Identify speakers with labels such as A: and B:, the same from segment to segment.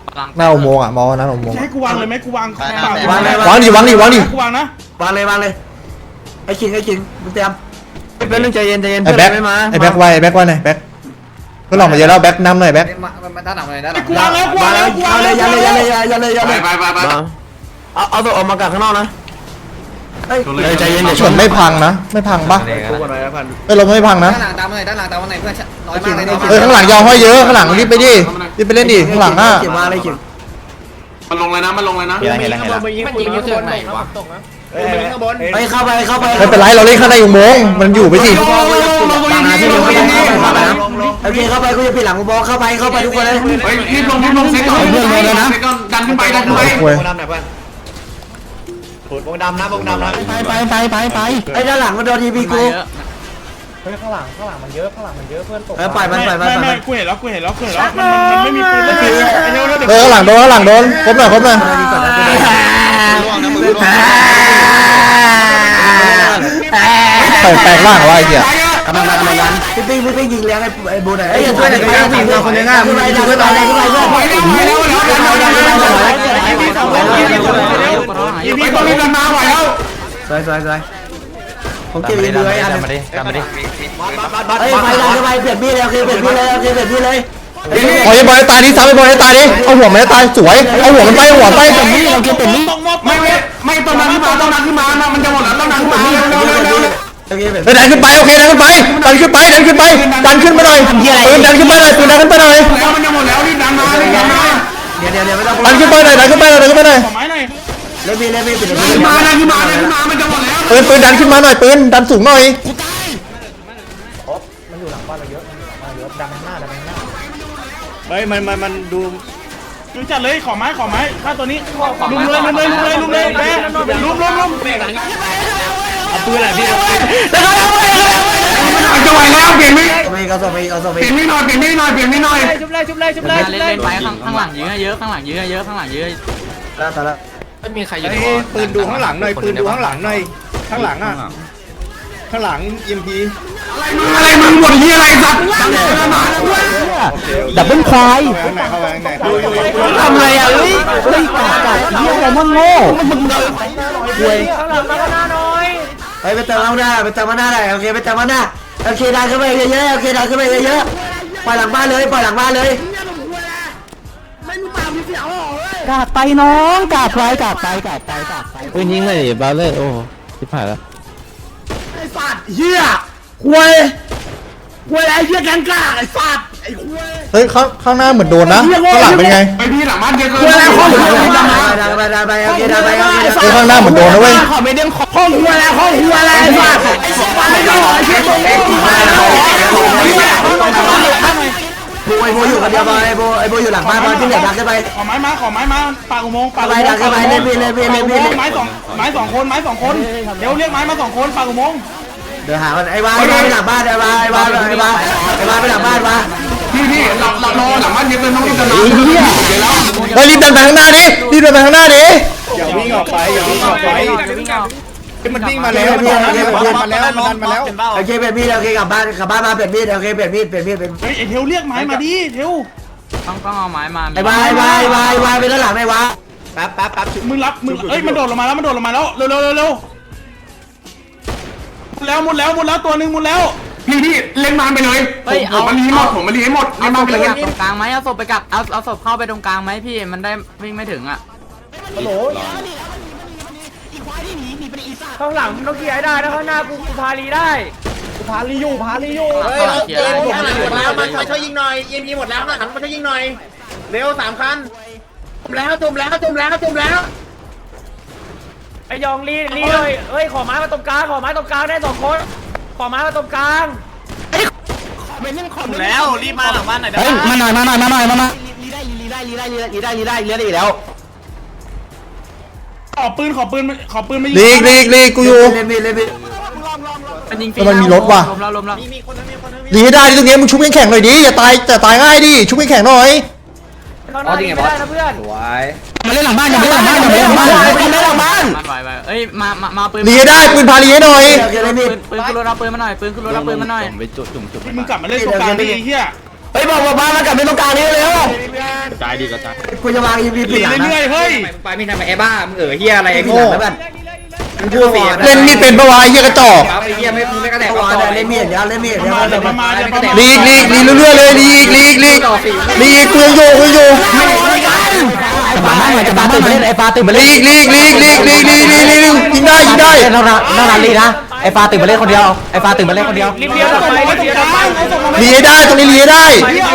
A: หน้าอุโมงค์อ่ะมองหน้าอุโมงค์
B: ใช้กูวางเลยไหมกูวาง
A: วางดิวางดิวางดิ
B: กูวางนะ
C: วางเลยไอ้ขิงมึงเตรียมเป็นเรื่องใจเย็น
A: ไอ้แบ็คไอ้แบ็คไว้ไอ้แบ็คไว้หน่อยแบ็คก็หลอกมาเยอะแล้วแบ็คนำหน่อยแบ็ค
D: มันด้านหลังเลยด้านหลัง
B: กูวางแล้วกูวางแล้วกูวางแล้ว
C: อย่าเลย
E: ไป
C: เอาตัวออกมากักข้างนอกนะใจเย็น
A: ชนไม่พังนะไม่พังปะเอ้ยเราไม่พังนะ
D: ด้านหลังตามมาหน่อยด้านหลังตามมาหน่อยเพื่อนน้อยมากเลย
A: เอ้ยข้างหลังยาวห้อยเยอะข้างหลังรีบไปดิรีบไปเล่นดิข้างหลังอ่ะ
C: เก็บมาเลยขิง
E: มันลงเลยนะมันลงเลยนะ
D: มันยิงอยู่จุดไหนวะ
C: ไปเข้าไป
A: ไม่เป็นไรเราเล่นข้างในอุโมงค์มันอยู่ไปสิ
C: โอเคเข้าไปกูจะปิดหลังกูบอกเข้าไปทุกคนเลย
E: เฮ้ยรีบลงเซ็ตก่อนเซ็ตก่อนดันขึ้นไป
A: โอ้ย
C: ไปไอ้ด้านหลังมันโดนทีพีกู
F: ข้างหลังมันเยอะข้างหลังมันเยอะเพื่อนตก
C: ปล่อยมัน
B: ไม่กูเห็นแล้วมันไม่มีปืน
A: เออข้างหลังโดนครบหน่อย แปลกล่างวะไอ้เหี้ย
C: กำลังพี่ปิ๊งยิงเลี้ยงไอ้บูไหนไอ้ช่วยหน่อยกันคนนึงอ่ะมึงไปเพื่อน
E: ยิงไปตัวนี้ดันมาไหวแล้ว
C: สวยผมเก็บอีกเลยอันเฮ้ยไปดันเข้าไปเปลี่ยนมีดเลยโอเคเปลี่ยนมีดเลย
A: ปล่อยบอลตายดิซ้ำไปบอลตายดิเอาหัวมันตายสวยเอาหัวมันไปเปลี่ยนมีดเราเก็บเปลี่ยนมีด
E: ไม่ต้องดันขึ้นมามันจะหมดแล้วต้องดันขึ้นมาเร็ว
C: โอเคเปลี่ยน
A: ดันขึ้นไปโอเคดันขึ้นไปดันขึ้นมาหน่อยปืนดันขึ้นไปหน่อย
E: แล้วมันจะหมดแล้วรีบดันมา
C: เดี๋ยวไม่ต้อง
A: ดันขึ้นไปหน่อย
B: ขอไม้หน่อย
C: เล่นมีด
E: มามันจะหมดแล้ว
A: ปืนดันขึ้นมาหน่อยปืนดันสูงหน่อย
F: มันอยู่หลังบ้านเราเยอะดังข้างหน้า
B: เฮ้ยมันดูจัดเลยขอไม้ฆ่าตัวนี้ลุมเลยแม่ลุมเอาปืนอะไรพี่
E: จะไหวแล้วเปลี่ยนไม่
C: เอาส่งไป
E: เปลี่ยนไม่หน่อยชุบเลย
D: เล่นไปข้างหลังเยอะข้างหลังเยอะ
C: แล้ว
D: ไม่มีใครอยู่
F: ปืนดูข้างหลังหน่อยปืนดูข้างหลังหน่อยข้างหลังอ่ะข้างหลังEMP
E: อะไรมึงหมดที่อะไรสัตว์
A: ดับเบิ้ลควาย
F: ข้างในเข้าไปข้างใน
A: ทำไรอ่ะเฮ้ยกัดเหี้ยอะไรมั่งโง่
C: ไปเติมข้างหน้าไปเติมข้างหน้าได้โอเคไปเติมข้างหน้าโอเคดันขึ้นไปเยอะโอเคดันขึ้นไปเยอะปล่อยหลังบ้านเลย
A: กาดไปน้องกาดไปเฮ้ยยิงเลยบาเลอร์โอ้ชิบหายแล้ว
C: ไอ้สัตว์เหี้ยควยไอ้เหี้ยแกงกล้าไอ้สัตว์ไอ้ควย
A: เฮ้ยข้างหน้าเหมือนโดนนะข้างหลังเป็นไง
E: ไปพี่หลังบ้านเยอะเกิน
C: ไปโอเคดันไป
A: เฮ้ยข้างหน้าเหมือนโดนนะเว้ย
C: ห้องควยอะไรไอ้สัตว์ไม่ต้องไอ้เชี่ยตรงนี้ไอ้โบอยู่คนเดียวบอลไอ้โบอยู่หลังบ้านบอลที่เหลือดักขึ้นไป
B: ขอไม้มาปากอุโมงค์
C: ไปดักขึ้นไปเล่นพี่
B: ไม้สองคนเดี๋ยวเรียกไม้มา2 คนปากอุโมงค์
C: เดี๋ยวหาไอ้วาไปหลังบ้านไอ้วาไปหลังบ้านวะ
E: พี่เรารอหลังบ้านเยอะเกินต้องรีบดันมา
A: เฮ้ยรีบเดินไปข้างหน้าดิ
F: อย่าวิ่งออกไปมันวิ่งมาแล้วมันดันมาแล้ว
C: โอเคเปลี่ยนมีดโอเคกลับบ้านมาเปลี่ยนมีดโอเคเปลี่ยนมีด
B: เฮ้ยไอเทลเรียกไม้มาดิเทล
D: ต้องเอาไม้มา
C: ไอ้วาไปด้านหลังไอ้วา
F: แป๊บ
B: มึงเอ้ยมันโดดลงมาแล้วเร็วหมดแล้วตัวนึงหมดแล้ว
E: พี่เล่นมาไปเลยผมมาลีให้หมด
D: เอา
E: เล่น
D: ศ
E: มา
D: พ
E: ไป
D: ไป
E: เลย
D: กับตรงกลางไหมเอาศพไปกับเอาศพเข้าไปตรงกลางไหมพี่มันได้วิ่งไม่ถึงอ่ะ
F: ข้างหลังต้องเกียร์ได้นะข้างหน้ากูพาลีได้กูพาลีอยู่
D: เฮ้ยเอาเกียร์
G: ข้างหลังหมดแล้วมาช่วยยิงหน่อย EMP หมดแล้วนะหันมาช่วยยิงหน่อยเร็ว3 คันจมแล้ว
F: ไอยองลีเลยเฮ้ยขอไม้มาตรงกลางได้2 คนขอไม้มาตรงกลาง
G: แล้วรีบมาหลังบ้านหน่อย
A: เฮ้ยมาหน่อยลีได้แล้ว
B: ขอปืนมา
A: ลีกกูอยู่
C: เล่นมีด
D: มันยิง
A: มันมีรถว่ะ
D: ลมแล้ว
G: มีคนนึง
A: ลีให้ได้ตรงนี้มึงชุบแข็งหน่อยดิอย่าตายง่ายดิชุบแข็งหน่อย
F: ข้างหน้าไม่ได้นะเพื่อน
A: มาเล่นหลังบ้าน
D: มันไหวเอ้ยมาปืน
A: ลีให้ได้ปืนพาลีให้หน่อย
C: โอเคเล่นมีด
D: ปืนขึ้นรถเอาปืนมาหน่อยปืนขึ้นรถเอาปืนมาหน่อย
B: มึงกลับมาเล่นตรงกลางดิเฮีย
C: ฮ้ยบอกมากลับไปตรงกลางนี้เร็ว
B: กระจายดีกระจาย
C: กูจะวาง EMP ปิดหลังนะ
B: เรื่อยๆเฮ้ย
D: ไปไม่ทำไอ้บ้ามึงเฮียอะไรไอ้
C: ปิด
D: โง่
C: หลังแล้วกัน
D: พูดเสีย
E: เล่นมีดเป็นปะวะไอ้เหี้ยกระจอก
D: ไอ้เฮียไม่กระแดก
C: วางเล่นมีดเดี๋ยวเล่นมีดเดี๋ยว
B: มาเดี๋ยวมาเดี๋ยวมา
E: ลีกเรื่อยๆเลยลีกกูยังอยู่
A: จะมาให้จะมาตื่นมาเล่นไอ้ฟ้าตื่นมาเล่น
E: ลีกยิงได้
A: น่ารักลีนะไอ้ฟ้าตื่นมาเล่นคนเดียวไอ้ฟ้าตื่นมาเล่นคนเดียว
F: รีบเลี้ยวต่อไปรีบเลี้ยวต่อไป
E: ลีให้ได้ตรงนี้ลีให้ได้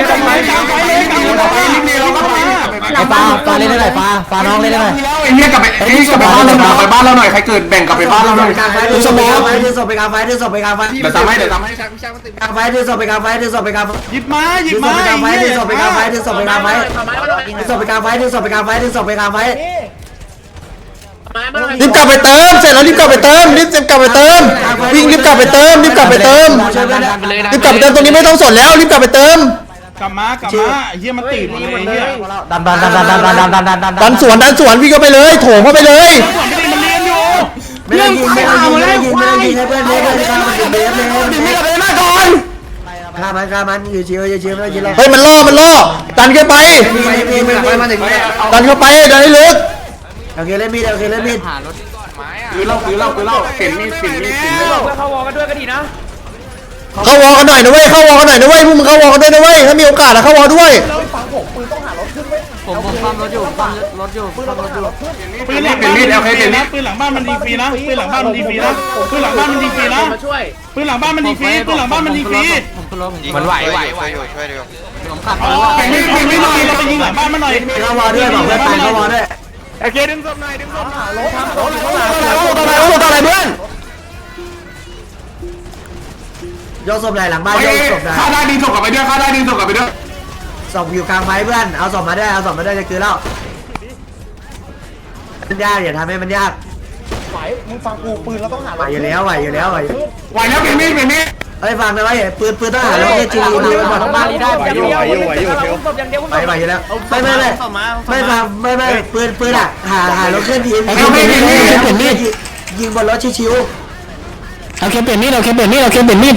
A: ไอ้ฟ้าเล่นได้หน่อยฟ้าน้องเล่นได้หน่อย
E: ไอ้เหี้ยกลับไปบ้านเราหน่อยใครเกิดแบ่งกลับไปบ้านเราหน่อย
C: กลางไฟดึงศพไปกลางไฟดึงศพไปกลางไฟดึงศพไปกลางไฟ
E: เดี๋ยวทำให้
C: กลางไฟดึงศพไปกลางไฟดึงศพไปกลางไฟ
B: หยิบมา
C: ดึงศพไปกลางไฟดึงศพไปกลางไฟดึงศพไปกลางไฟดึงศพไปกลางไฟดึงศพไปกลางไฟดึงศพไปกลางไฟ
E: รีบกลับไปเติมเสร็จแล้วรีบกลับไปเติมวิ่งรีบกลับไปเติมตรงนี้ไม่ต้องสนแล้วรีบกลับไปเติม
B: กลับมเฮียมันตื่นหมดเลยเฮีย
A: ดัน
E: สวนวิ่งเข้าไปเลยโถงเข้าไปเลย
B: มันเรียนอยู่
C: ไม่ได้ยิงให้เพื่อนฆ่ามันเบฟเลยฆ่ามันอยู่ชิวไม่ต้องยิงหรอก
E: เฮ้ยมันล่อดันเข้าไปดันให้ลึก
C: โอเคเล่นมีดโอเคเล่นมีด
D: หารถก่อนไม้อะ
E: คือเล่าเห็นมีด
F: เพื่อเข้าวอกันด้วยก็ดีนะ
E: เข้าวอกันหน่อยนะเว้ยพวกมึงเข้าวอกันด้วยนะเว้ยถ้ามีโอกาสเข้าวอด้วย
D: ผมซ่อมรถอยู่ซ่อมรถอยู่
B: ปืนหลังบ้านมันดีฟรีนะปืนหลังบ้านมันดีฟรีนะปืนหลังบ้านมันดีฟรีนะปืนหลังบ้านมันดีฟรีนะ
G: มาช่วย
B: ปืนหลังบ้านมันดีฟรีปืนหลังบ้านมันดีฟรี
D: ผมขึ้นรถผม
H: มันไหวอยู่ช่วยดู
D: ผมขับ
B: อ๋อไม่หน่อยเราไปยิงหลังบ้านมาหน่อย
C: เข้าวอด้วยบอกเพื่อนตายเข้าวอด้วย
B: โอเคดึงศพหน่อยดึงศพ
E: อะไรเพื่อน
C: ยกศพไหนหลังบ้านยกศพไหน
E: ข้าได้ดึงศพกลับไปด้วย
C: ศพอยู่กลางไฟเพื่อนเอาศพมาได้จะคือแล้วมันยากอย่าทำให้มันยากไหวมึงฟังกูปืนเราต้องหาไหวอยู่แล้ว
E: ไหวแล้วเป็นมีด
C: เฮ้ยฟังนะไว้ปืนต้องหาแล้วจีรีดีไปหมด
F: บ้านนี้ได้อย่างเดียวศพอย่างเดียว
C: ไปอยู่แล้วไม่ปืนอ่ะหารถเคลื่อนที่ยิงบนรถชิว
A: เอาเข็มเปลี่ยนมีดมีด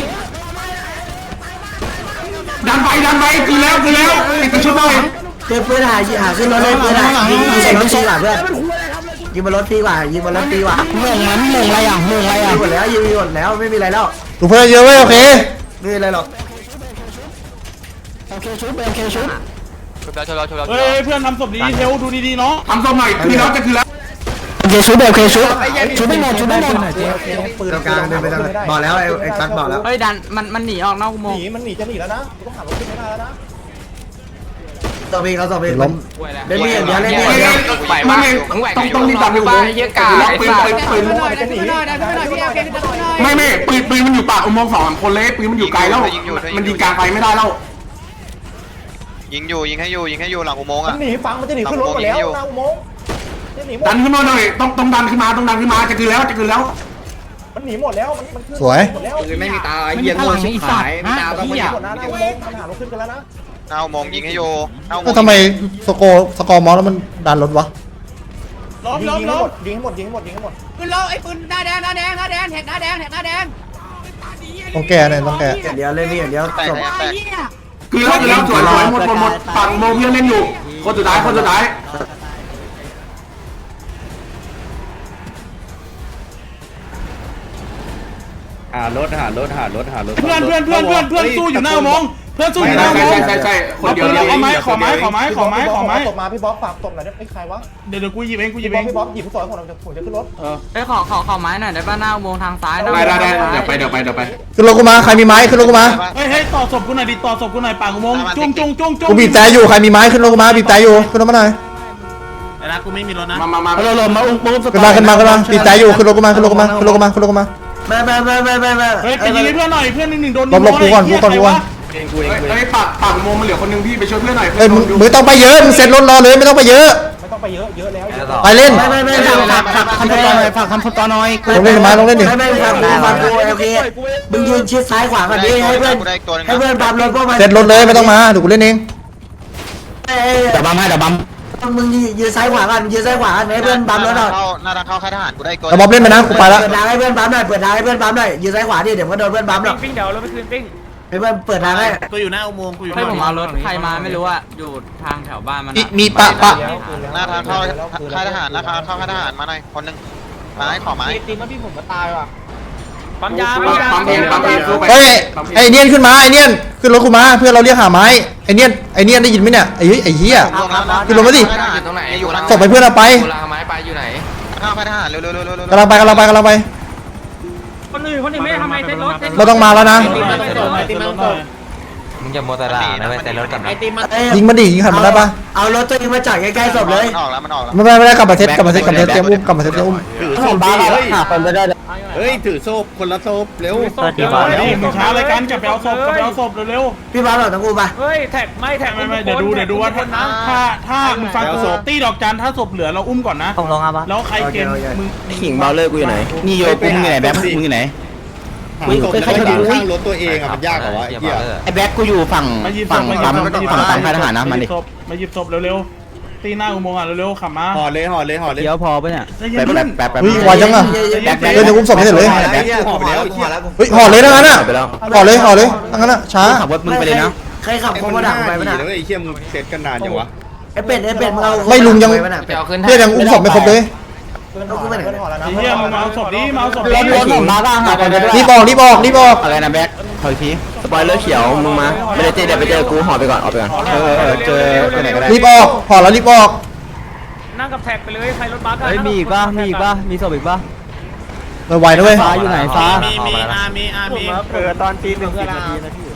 E: ดันไปคือแล้วติดกระชุบหน่อย
C: ปืนหาขึ้นรถเลยปืนยิงใส่รถฟรีกว่าเพื่อนยิงบนรถฟรีกว่ายิงบนรถฟรีกว่า
A: มึงอะไรอ่ะ
C: ยิงหมดแล้วไม่มีอะไรแล้ว
E: ถูกเพื่อนเยอะเว้ยโอเค
C: ไม่มีอะไรหรอก
A: โอเคชุบโอเคชุบ
B: เฮ้ยเพื่อนทำศพดีเทลดูดีๆเนาะ
E: ทำศพหน่อยคือแล้วจะคือแล้ว
A: โอเคชุบชุบไม่หมด
C: ปืนกลางเดินไปทางบอกแล้วไอ้กั๊กบอกแล้ว
D: เฮ้ยดันมันหนีออกนอกอุโมงค์
C: ต่อไปเขาต่อไปล้มเล่นมีอย่างเดียวเล่นมีอย่างเดียว
E: ต้องรีบดันไปอุโมงค์ปืนไม่ปืนมันอยู่ปากอุโมงค์2 คนเลยปืนมันอยู่ไกลแล้วมันยิงกลางไฟไม่ได้แล้ว
H: ยิงให้อยู่หลังอุโมงค์อ่ะ
F: หนีฟังมันจะหนีขึ้นรถหมดแล้วนะอุโมงค์
E: ดันขึ้นมาหน่อยต้องดันขึ้นมาจะคือแล้ว
F: มันหนีหมดแล้วมันขึ้น
E: สวย
F: หมดแล้ว
D: ไม่มีตาเฮียโง่ชิบหายไม่ตาต้อง
F: ห
D: มา
F: มดนะอุโมงค์มันหารถขึ้นกันแล้วนะ
H: หน้าอุโมงค์ยิงให้อยู่หน้าอุโม
E: ก็
H: งค์
E: ทำไมสกอร์มอสแล้วมันดันรถวะ
F: ยิงให้หมด
I: ปืนเราไอ้ปืนหน้าแดงแท็กหน้าแดง
E: ต้องแก้เนี่ยต้องแก้
C: อย่างเดียวเล่นมีอย่างเดียว
H: แตก
C: จบ
H: แตก
E: คือแล้วสวยหมดฝั่งโมเพียเล่นอยู่คนสุดท้าย
B: หารถเพื่อนสู้อยู่หน้าอุโมงค์เพื่อนสู้อยู่หน้าอุโมงค์
E: ใช่คนเดียว
B: เอาไม้ขอไม้
F: ตบมาพี่บ๊อบฝากตบหน่อยไอ้ใครวะ
B: เดี๋ยวกูหยิบเอง
F: พี่บ๊อบหยิบผู้สอนผมจะขึ้นรถ
D: เฮ้ยขอไม้หน่อยได้ป่ะหน้าอุโมงค์ทางซ้าย
E: ได้เดี๋ยวไปขึ้นรถกูมาใครมีไม้ขึ้นรถกูมา
B: เฮ้ยต่อศพกูหน่อยดิต่อศพกูหน่อยปากอุโมงค์จุ้ง
E: กูบีบแต่อยู่ใครมีไม้ขึ้นรถกูมาบีบแต่อยู่ขึ้นรถมาหน่อย
B: ไอ้นะกูไม่มีรถนะ
E: มา
A: เราลงมาอุ้ม
E: ขึ้นมาบีบแต่อยู่ขึ้นรถกูมา
C: ไม่
B: เฮ้ยไปยิงให้เพื่อนหน่อยเพื่อน1โดน
E: ลบกูก่อนเฮ้ยปากโมมันเหลือคนนึงพี่ไปช่วยเพื่อนหน่อยเฮ้ยมึงต้องไปเยอะมึงเซ็ตรถรอเลยไม่ต้องไปเยอะ
F: ไม่ต้องไปเยอะแล้ว
E: ไปเล่น
C: ไม่
A: ฝากคำพูดต่อหน่อย
E: ลงเล่นมาลงเล่นดิ
C: ไม่ฟังกูโอเคมึงยืนชิดซ้ายขวาก่อนดิให้เพื่อนบัมรถพวกมัน
E: เซ็ตรถเลยไม่ต้องมาเดี๋ยวกูเล่นเอง
A: เดี๋ยวบัม
C: มึงยืนซ้ายขวาก่อนให้เพื่อนบัมรถหน่อย
H: หน้าทางเข้าค่ายทหารกูได้ตัว
E: แต่บ๊อบเล่นไปนะกูไปละ
C: เปิดทางให้เพื่อนบัมหน่อยให้เพื่อนบัมหน่อยยืนซ้ายขวาดิเดี๋ยวมันโดนเพื่อนบัมหรอก
F: ปิ้งเดี๋ยวเราไปคืนปิ้ง
C: เพื่อนเปิดทางให้
G: กูอยู่หน้าอุโมงค์กูอยู่
D: ให้ผมเอารถใครมาไม่รู้อะอยู่ทางแถวบ้านมัน
E: มีปะ
H: หน้าทางเข้าค่ายทหารราคาเข้าค่ายทหารมาหน่อยคนหนึ่งไม้ขอไม้
F: ปั๊มยาปั๊มยา
E: เฮ้ยไอเนียนขึ้นมาไอเนียนขึ้นรถกูมาเพื่อนเราเรียกหาไม้ไอเนียนได้ยินไหมเนี่ยไอ้เหี้ย ขึ้นลงมาดิ
H: ตรงไหนอยู่หลัง
E: ส่งไปเพื่อนเราไป
H: ข้าวค่ายทหารเร็ว
E: กำลังไป
F: คนอื่นไม่ทำไมเซ็ตรถ
E: เราต้องมาแล้วนะ
A: มึงจะโมตระนะเว้ยแต่รถกลับนะ
E: ยิงมันดิยิงหันมันได้ปะ
C: เอารถตัวเองมาจอดใกล้ๆศพเลย
H: มันออกแล้วมันออกแล้ว
E: ไม่ได้กลับมาเซตเตรียมอุ้มกลับมาเซตเตรียมอุ้ม
G: ถือโซ่ดีหาคนไม่ได้เฮ้ยถือโซ่คนละโซ่เร็ว
B: นี่มึงช้าเลยกันกลับไปเอาศพเร็ว
C: พี่บ้าเราต้องกูปะ
F: เฮ้ยแท็กไม่แท็ก
B: ไม่เดี๋ยวดูว่าถ้ามึงฟังกูตีดอกจันถ้าศพเหลือเราอุ้มก่อนนะ
A: ต้องลงอ่ะปะ
B: แล้วใครเกณฑ์มึง
A: ขิงเบาเลอร์กูอยู่ไหนนี่โยกูมึงอยู่ไหนแบ๊บมึงอยู่ไหน
G: หาศพแล้วก็ยืนข้างรถตัวเองอ่ะมันยากเหรอวะไอ้เหี้ย
A: ไอ้แบ๊กกูอยู่ฝั่งปั๊มฝั่งปั๊มค่ายทหารนะมันดิ
B: มาหยิบศพเร็วๆตีหน้าอุโมงค์อ่ะเร็วๆขับมา
G: ห่อเลย
A: เดี๋ยวพอปะเนี่ย
B: แป๊บ
E: เฮ้ยไวจังอ่ะเดี๋ยวอุ้มศพให้เสร็จเลย
G: ห่อไปแล้ว
E: เฮ้ยห่อเลยทั้งนั้นอ่ะห่อเลยทั้งนั้นอ่ะช้า
A: ขับรถมึงไปเลยนะ
C: ใครขับโคมาดักไปปะน่ะ
G: ไอ้เหี้ยมึงเซตกันนานจังวะ
C: ไอ้เป็ดมึงเอา
E: ไม่ลุงยัง
C: ไปปะน่ะเป็ด
D: เอาขึ้น
E: เพื่อนยังอุ้มศพไม่ครบเลย
C: เอากูไปไหน
B: ไอ้เหี้ยมึงมาเอาศพดิมาเอาศพ
A: รถผมมาบ้างครับ
E: รีบออก
A: อะไรนะแบ๊กขออีกทีสปอยเลอร์เขียวมึงมาไม่ได้เจอเดี๋ยวไปเจอกูห่อไปก่อนออกไปก่อนเจอไปไหนก็ได้
E: รีบออกห่อแล้วรีบออก
F: นั่งกับแท็กไปเลยใครรถบัส
A: มีอีกป่ะมีศพอีกป่ะ
E: ไวนะเว้ย
A: ฟ้าอยู่ไหนฟ้า
G: มีตอนตี 1-10 นาทีนะพี่